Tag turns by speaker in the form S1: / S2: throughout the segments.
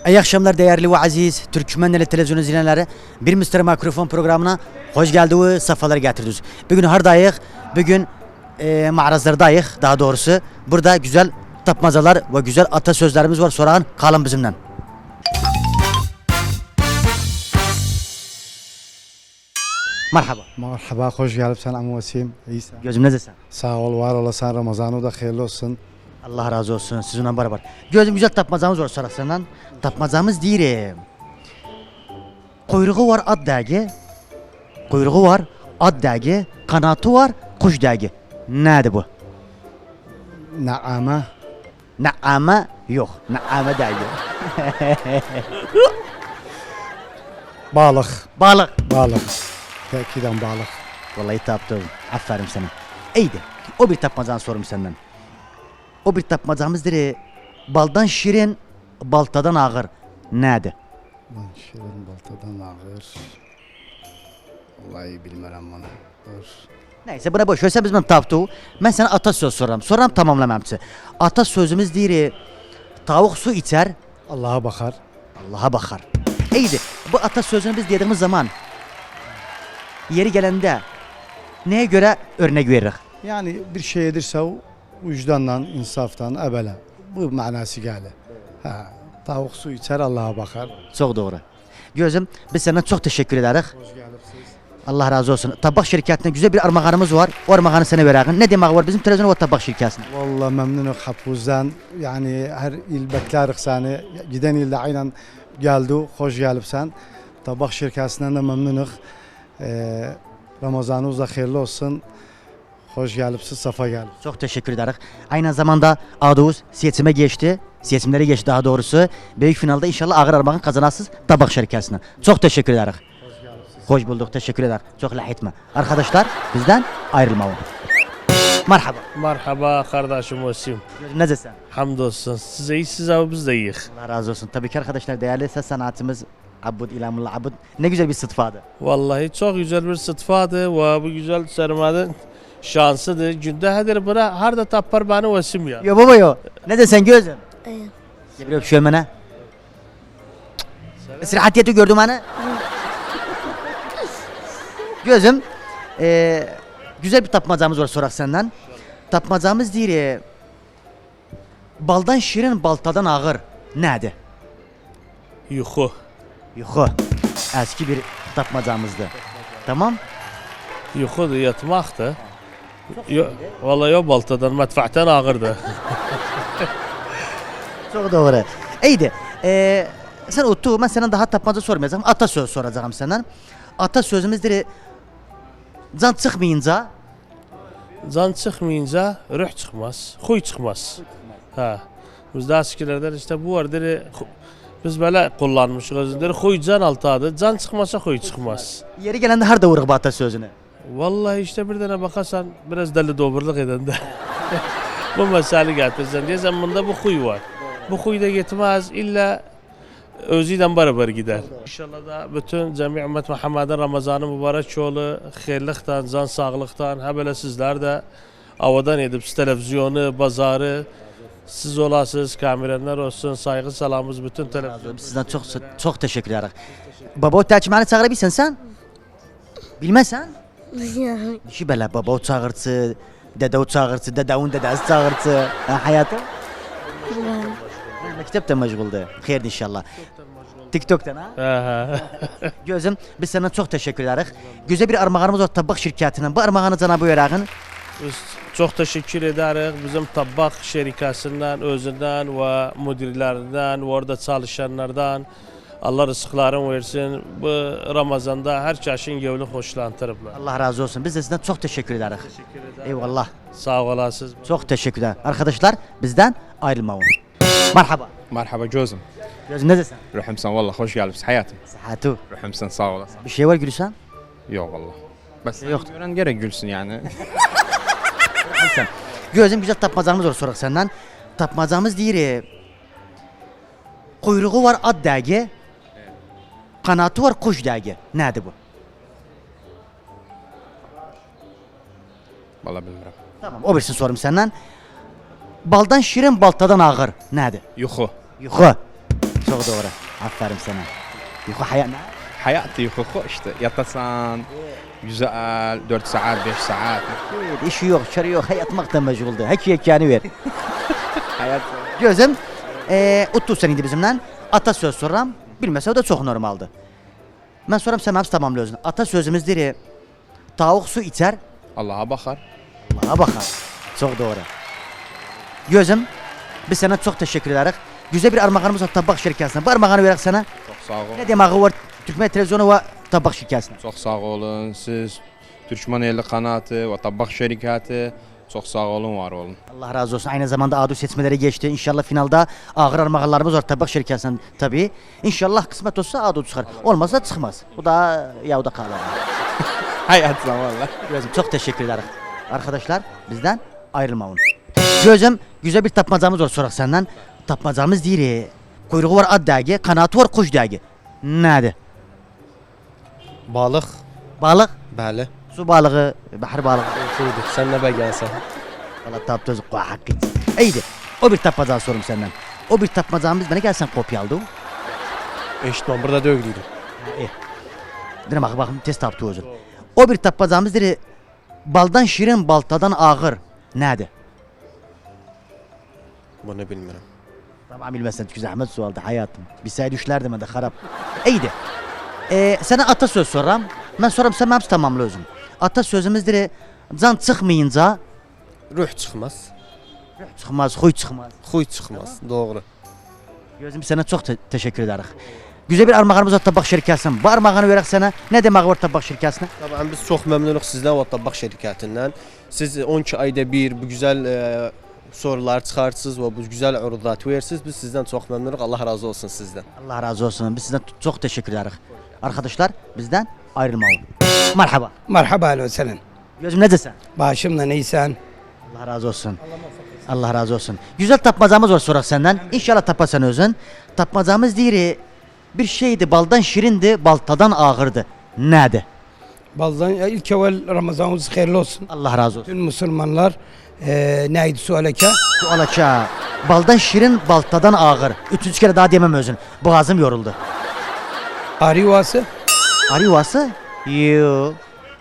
S1: İyi akşamlar değerli ve aziz Türkmenli televizyon izleyenleri. Bir Mr. Mikrofon programına hoş geldiniz, sefalar getirdiniz. Bugün hardayıq, bugün mağarazlardayıq daha doğrusu. Burada güzel tapmacalar ve güzel atasözlerimiz var. Sorağın kalın bizimle. Merhaba.
S2: Merhaba, hoş geldin Amu Vasim. İsa.
S1: Gözüm nezesin?
S2: Sağ ol, var olasın. Ramazan'ı da hayırlı olsun.
S1: Allah razı olsun sizinle beraber. Gözüm güzel tapmacamız var sorak senden. Tapmacamız deyirəm. Kuyruğu var at dəgi. Kuyruğu var at dəgi. Kanatı var kuş dəgi. Nədir bu?
S2: Naama.
S1: Naame yok. Naame dəgi.
S2: Balık.
S1: Balık.
S2: Balık. Tekiden balık.
S1: Vallahi tapdım. Aferin sana. İyiydi. O bir tapmacanı sorum senden. O bir tapmacamızdır. Baldan şirin, baltadan ağır. Nədir?
S2: Lan şirin baltadan ağır. Vallahi bilmem bunu. Dur.
S1: Neyse buna boş ver. Sen bizim tapdıq. Mən sənə atasöz soram. Soram tamamlamamçı. Atasözümüz deyir. Tavuk su içer,
S2: Allah'a bakar.
S1: Allah'a bakar. İyiydi. Bu atasözünü biz dediğimiz zaman yeri gelende neye göre örnek veririk?
S2: Yani bir şey edirse o vicdanla, insaftan, evvela. Bu manası gelir. Ha, tavuk su içer, Allah'a bakar.
S1: Çok doğru. Gözüm biz senden çok teşekkür ederiz.
S2: Hoş geldiniz.
S1: Allah razı olsun. Tabak şirketine güzel bir armağanımız var. O armağanı sana verelim. Ne demek var bizim televizyon ve tabak şirketine?
S2: Vallahi memnunum hapuzdan. Yani her il beklerik seni. Giden ilde aynen geldi. Hoş gelipsen. Tabak şirketinden de memnunum. Ramazanınız da hayırlı olsun. Hoş gelipsiz, safa gelip.
S1: Çok teşekkür ederiz. Aynı zamanda adımız seçime geçti. Seçimlere geçti daha doğrusu. Büyük finalde inşallah ağır armağan kazanasınız tabak şirketine. Çok teşekkür ederiz. Hoş bulduk, teşekkür ederim. Çok lahitme. Arkadaşlar bizden ayrılmayın. Merhaba.
S3: Merhaba kardeşim Vasim.
S1: Nezesin?
S3: Hamdolsun. Siz iyisiniz abi biz de iyiyiz.
S1: Allah razı olsun. Tabii ki arkadaşlar değerli ses sanatımız Abud İlamullah Abud. Ne güzel bir sıtfadı.
S3: Vallahi çok güzel bir sıtfadı ve bu güzel sermaden şansıdır. Günde hedir bura harda tapar bana Vasim ya.
S1: Yo baba yo. Ne desen gözüm?
S4: Evet.
S1: Ya bir öpüşüyorum bana. Sırahatiyeti gördüm bana. Gözüm. Güzel bir tapmacamız var sorak senden. Tapmacamız deyir. Baldan şirin baltadan ağır. Nədir?
S3: Yuhu.
S1: Yuxu. Eski bir tapmacamızdı. Tamam.
S3: Yuhu da yatmaktı. Vallahi o baltadan matfahtan ağırdı.
S1: Çok doğru. İyiydi. Sen uttu. Ben senden daha tapmaca sormayacağım. Atasöz soracağım senden. Atasözümüzdür. Can çıkmayınca
S3: Can çıkmayınca ruh çıkmaz, huy çıkmaz. Ha. Bizde eskilerden işte bu vardır. Biz böyle kullanmışız özündir. Huy can altıdır. Can çıkmasa huy çıkmaz.
S1: yeri gelende harda vurur bu atasözünü.
S3: Vallahi işte bir tane bakarsan biraz deli doburluk eden de. Bu mesele getirsen diyesen bunda bu huy var. Bu huy da gitmez illa özüyle beraber gider. İnşallah da bütün cemi ümmet Muhammed'in Ramazanı mübarek yolu, hayırlıktan, can sağlıktan, ha böyle sizler de avadan edip televizyonu, pazarı, siz olasınız, kameranlar olsun, saygı salamımız bütün televizyon.
S1: Sizden çok teşekkür ederim. Baba o tercümanı çağırabilirsin sen? Bilmezsen?
S4: Yani
S1: Şu böyle baba o çağırtı, dede o çağırtı, dedeun dedesi çağırtı. Hayatım? Mektepte meşguldü. Hayırdır inşallah. TikTok'tan ha? Gözüm biz sana çok teşekkür ederiz. Güzel bir armağanımız var tabak şirketinden. Bu armağanı Cenab-ı Verak'ın.
S3: Biz çok teşekkür ederiz bizim tabak şirketinden, özünden ve müdürlerinden ve orada çalışanlardan. Allah rızıklarını versin. Bu Ramazan'da her çeşin yevli hoşlandırıblar.
S1: Allah razı olsun. Biz de sizden çok teşekkür ederiz.
S3: Teşekkür ederim.
S1: Eyvallah.
S3: Sağ olasınız.
S1: Çok teşekkür ederim. Arkadaşlar bizden ayrılmayın. Merhaba.
S5: مرحبا جوزم
S1: Gözüm ne desin?
S5: رحمسن والله خوش قالبس حياتي
S1: Sıhhatu.
S5: رحمسن sağ olasın.
S1: Bir şey var gülüşen?
S5: Yok والله بس
S1: Yok.
S5: gören gerek gülsün yani.
S1: Sen. Gözüm güzel tapmacamız var sorak senden. Tapmacamız deyir. Kuyruğu var at dəgi. Kanatı var kuş dəgi. Nədir bu?
S5: Vallahi bilmirəm.
S1: Tamam o birisini sorum senden. Baldan şirin baltadan ağır. Nədir?
S5: Yuxu.
S1: Yuxu. Çok doğru. Aferin sana. Yuhu hayat ne?
S5: Hayatı hukuku işte. Yatasan, güzel, 4 saat, 5 saat.
S1: İşi yok, şarı yok. Hayatmakla meşguldü. Hiç yekanı ver.
S5: Hayat.
S1: Gözüm, 30 seneydi bizimle. Atasöz soram. Bilmese o da çok normaldi. Ben soram sen hepsi tamamlıyorsun. Atasözümüzdür. Tavuk su içer,
S5: Allah'a bakar.
S1: Allah'a bakar. Çok doğru. Gözüm, biz sana çok teşekkür ederiz. Güzel bir armağanımız var tabak şirketine. Bu armağanı vererek sana.
S5: Çok sağ olun.
S1: Ne demek var Türkmen televizyonu ve tabak şirketine.
S5: Çok sağ olun. Siz Türkmen Eli Kanatı ve Tabak Şirketi çok sağ olun, var olun.
S1: Allah razı olsun. Aynı zamanda ADU seçmeleri geçti. İnşallah finalda ağır armağanlarımız var tabak şirketinden tabii. İnşallah kısmet olsa ADU çıkar. Olmazsa çıkmaz. Bu da yavuda kalır.
S5: Hayat zamanla.
S1: Gözüm çok teşekkür ederim. Arkadaşlar bizden ayrılmayın. Gözüm güzel bir tapmacamız var sorak senden. Tapmacamız değil. Kuyruğu var at dergi, kanatı var kuş dergi. Nedir?
S4: Balık.
S1: Balık,
S4: Bəli.
S1: su balığı, bahar balığı.
S4: Buyurdu. Sən nə bəgənsən?
S1: Valla taptoz hakkı. İyiydi. O bir tapmaca sorum senden. O bir tapmacamız bana gelsen kopyaldı.
S4: Eşitməm, burada dögdüydüm.
S1: Dine bakın test taptı özür. O bir tapmacamız dedi. Baldan şirin, baltadan ağır. Nedir?
S4: Bunu bilmirəm.
S1: Tamam bilmezsen çünkü zahmet sualdı hayatım. Bir say düşlerdim ben de harap. İyiydi. Sana atasöz soram. Ben soram sen hepsi tamamla özüm. Atasözümüzdür. Can çıkmayınca
S4: Ruh çıxmaz,
S1: çıkmaz, huy çıkmaz.
S4: xuy çıxmaz. Doğru.
S1: Gözüm sana çok teşekkür ederiz. Güzel bir armağanımız var tabak şirketinden. Bu armağanı vererek sana ne demek var tabak şirketine?
S4: Tabii biz çox məmnunuq sizdən və Tabaq şirkətindən. Siz 12 ayda bir bu güzel sorular çıxartsınız və bu güzel uruzat verirsiniz. Biz sizdən çox məmnunuq. Allah razı olsun sizdən.
S1: Allah razı olsun. Biz sizden çok teşekkür ederiz. Arkadaşlar bizden ayrılmayın. Merhaba.
S6: Merhaba alo senin.
S1: Gözüm ne desen?
S6: Başımla neysen.
S1: Allah razı olsun. Allah razı olsun. Güzel tapmacamız var sorak senden. İnşallah tapasan özün. Tapmacamız değil. Bir şeydi baldan şirindi, baltadan ağırdı. Nedir?
S6: Baldan ilk evvel Ramazanımız hayırlı olsun.
S1: Allah razı olsun.
S6: Bütün Müslümanlar neydi sualeke?
S1: Su alaça. Baldan şirin, baltadan ağır. Üçüncü kere daha diyemem özün. Boğazım yoruldu.
S6: Arivası.
S1: Arı yuvası? Yoo.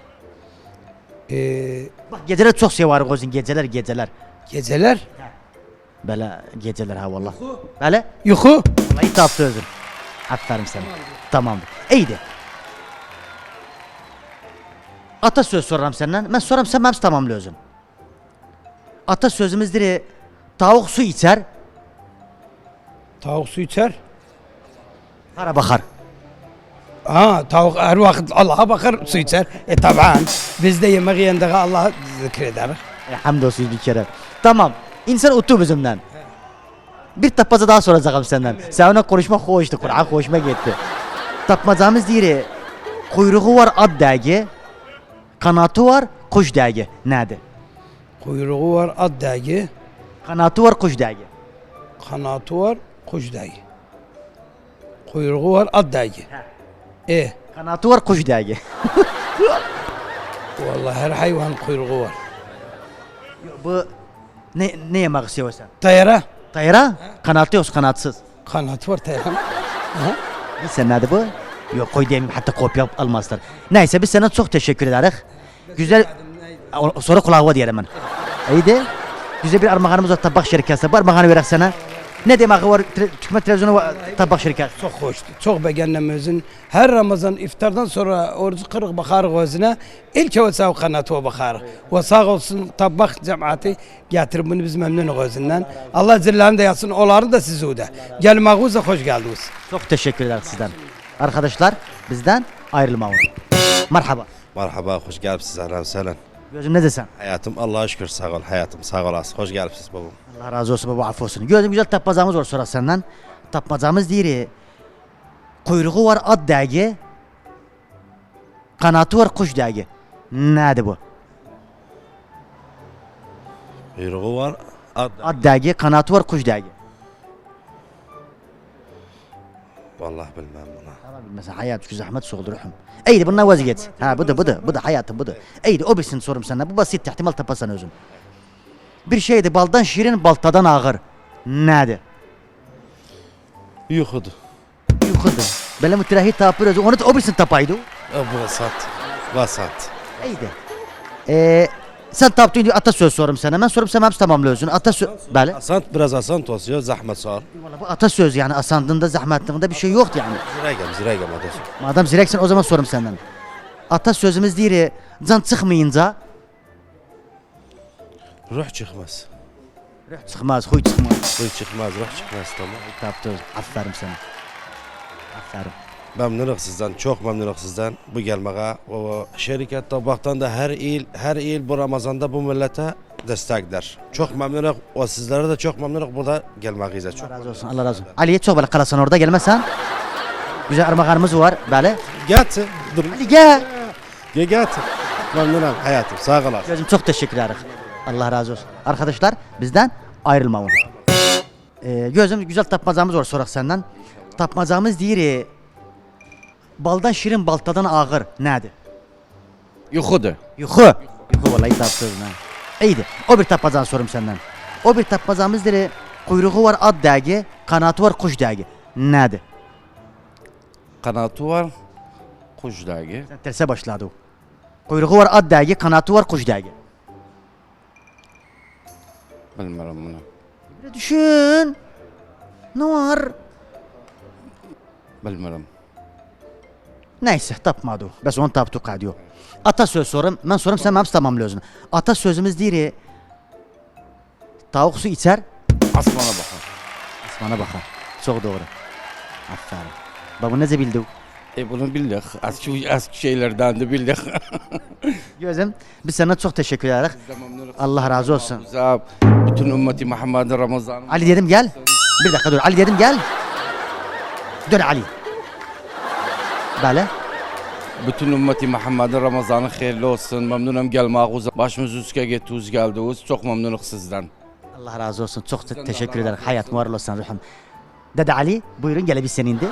S1: Bak geceler çok seviyorum gözün. Geceler.
S6: Geceler.
S1: Böyle geceler ha vallahi. Böyle?
S6: Yuhu.
S1: Vallahi taptı özün. Aferin sana. Tamamdır. İyiydi. Atasöz soram senden. Ben soram sen hepsi tamamla özün. Atasözümüzdür. Tavuk su içer,
S6: Tavuk su içer.
S1: para bakar.
S6: Ha tavuk her vakit Allah'a bakar su içer. Taban. Biz de yemek yiyende Allah'ı zikrederiz.
S1: Hamdolsun bir kere. Tamam. İnsan utu bizimden. Bir tapmaca daha soracağım senden. Sen ona konuşma hoştu. Kur'an hoşuma gitti. Tapmacamız değil. Kuyruğu var at dergi. Kanatı var kuş dergi. Nedir?
S6: Kuyruğu var at dergi.
S1: Kanatı var kuş dergi.
S6: Kanatı var kuş dergi. Kuyruğu var at dergi.
S1: Kanatı var kuş dergi.
S6: Vallahi her hayvan kuyruğu var.
S1: Bu ne yemek istiyorsan?
S6: Tayara.
S1: Tayra? Kanatlı yoksa kanatsız.
S6: Kanatı var tayara.
S1: Biz sen nerede bu? Yok koy demeyeyim hatta kopya almazlar. Neyse biz sana çok teşekkür ederiz. Güzel. Sonra kulağı diyelim ben. İyiydi. Güzel bir armağanımız var tabak şirketine. Bu armağanı vererek sana. Ne demek var Türkmen televizyonu ve tabak şirketi?
S6: Çok hoştu. Çok beğendim özün. Her Ramazan iftardan sonra orucu kırık bakarız özüne. İlk evvel sağ kanatı bakarız. Ve sağ olsun tabak cemaati getirip bunu biz memnunuz özünden. Allah zillerinde de yatsın. Onları da sizi de. Gelmağınıza hoş geldiniz.
S1: Çok teşekkür ederiz sizden. Arkadaşlar bizden ayrılmayın. Merhaba.
S7: Merhaba, hoş geldiniz. Ahlan sahlan.
S1: Gözüm ne desen?
S7: Hayatım Allah'a şükür sağ ol. Hayatım sağ olasın. Hoş geldiniz babam.
S1: Allah razı olsun baba affı olsun. Gözüm güzel tapmacamız var sonra senden. Tapmacamız değil. Kuyruğu var at dergi. Kanatı var kuş dergi. Nedir bu?
S7: Kuyruğu var.
S1: At dergi, kanatı var kuş dergi.
S7: Vallahi bilmem bunu.
S1: Tamam mesela hayat çünkü zahmet soğudu ruhum. İyiydi bundan vazgeç. Ha bu da hayatım bu da. İyiydi o bilsin sorum senden. Bu basit ihtimal tapasan özün. Bir şeydi baldan şirin baltadan ağır. Nedir?
S7: Yuxudur.
S1: Yuxudur. Belə mütləhi tapır özü. Onu da o birisini tapaydı.
S7: Vasat. Vasat.
S1: İyiydi. Sen tapdın diyor atasöz sorum sana. Ben sorum sen hepsi tamamla özün. Atasöz. Bəli.
S7: Asant biraz asant olsun. Zahmet sağ ol.
S1: Vallahi bu atasöz yani asandığında zahmetlığında bir şey yoktu yani.
S7: Zirəgəm adası.
S1: Madem zireksin o zaman sorum senden. Atasözümüz deyir can çıkmayınca
S7: Ruh çıxmaz.
S1: çıkmaz, huy çıkmaz.
S7: Ruh çıxmaz, ruh çıxmaz tamam.
S1: Tapdı. Aferin sana. Aferin.
S7: Məmnunuq sizdən, çox məmnunuq sizdən bu gəlməyə. O şirkət tabaqdan da hər il bu Ramazanda bu millətə dəstəklər. Çox məmnunuq. O sizlərə də çox məmnunuq burada gəlməyinizə. Çox
S1: Allah razı olsun. Allah razı olsun. Ali'ye çok böyle kalasan orada gelmezsen. Güzel armağanımız var. Böyle.
S7: gətir. Dur.
S1: Ali gel.
S7: Gətir. Məmnunam həyatım. Sağ olasın.
S1: Gözüm çok teşekkür ederim. Allah razı olsun. Arkadaşlar bizden ayrılmayın. Gözüm güzel tapmacamız var sorak senden. Tapmacamız deyir. Baldan şirin baltadan ağır. Nedir?
S5: Yuxudur.
S1: Yuxu. Yuxu vallahi tapdınız ha. İyiydi. O bir tapmacanı sorum senden. O bir tapmacamız deyir. Kuyruğu var at dəgi, kanatı var kuş dəgi. Nedir?
S8: Kanatı var, kuş dergi.
S1: Sen terse başladı o. Kuyruğu var at dəgi, kanatı var kuş dəgi.
S8: Bilmiyorum bunu.
S1: Bir düşün. Ne var?
S8: Bilmiyorum.
S1: Neyse tapmadı o. Bəs onu tapdıq qadiyo. Atasöz sorum. Ben sorum sen hepsi tamamla özünü. Atasözümüz deyir. Tavuk su içer,
S8: Asmana bakar.
S1: asmana bakar. Çok doğru. Aferin. Bak bu nece bildi?
S8: Bunu bildik. Eski şeylerden de bildik.
S1: Gözüm biz sana çok teşekkür ederiz. Allah razı olsun.
S8: Bize bütün ümmeti Muhammed'in Ramazan'ı.
S1: Ali dedim gel. Bir dakika dur. Ali dedim gel. Dön Ali. Böyle.
S8: Bütün ümmeti Muhammed'in Ramazan'ı hayırlı olsun. Memnunum gelmek. Başımız üstüne gittiniz geldiniz. Çok memnunum sizden.
S1: Allah razı olsun. Çok teşekkür ederim. Hayat var olsun ruhum. Dede Ali buyurun gelebil senindi.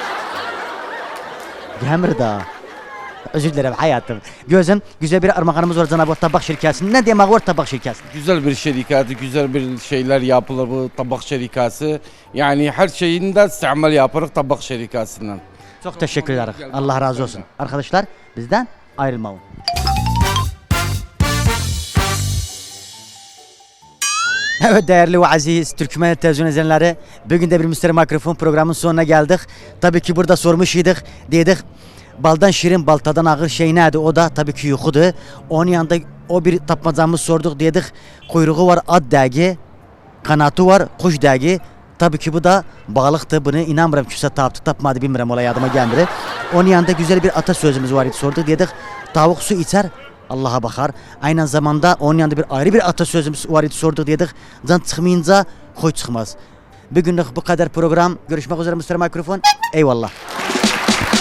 S1: Gemir da. Özür dilerim hayatım. Gözüm güzel bir armağanımız var Cenab-ı Tabak Şirkası. Ne demek var Tabak Şirkası?
S8: Güzel bir şirketi, güzel bir şeyler yapılır bu tabak şirkası. Yani her şeyinde istimal yaparız tabak şirkasından.
S1: Çok teşekkür ederim. Allah razı olsun. Arkadaşlar bizden ayrılmayın. Evet değerli ve aziz Türkmen televizyon izleyenleri, bugün de bir Müşteri Mikrofon programının sonuna geldik. Tabii ki burada sormuş idik, dedik baldan şirin baltadan ağır şey nedir? O da tabii ki yuxudur. Onun yanında o bir tapmacamız sorduk, dedik kuyruğu var at dəgi, kanatı var kuş dəgi. Tabii ki bu da balıktı. Bunu inanmıyorum kimse tapmadı bilmirəm olay yadıma gelmedi. Onun yanında güzel bir atasözümüz var idi sorduk, dedik tavuk su içer Allah'a bakar. Aynı zamanda onun yanında bir ayrı bir atasözümüz var idi sorduk, dedik can çıkmayınca huy çıkmaz. Bugünlük bu kadar program. Görüşmek üzere Müşteri Mikrofon. Eyvallah.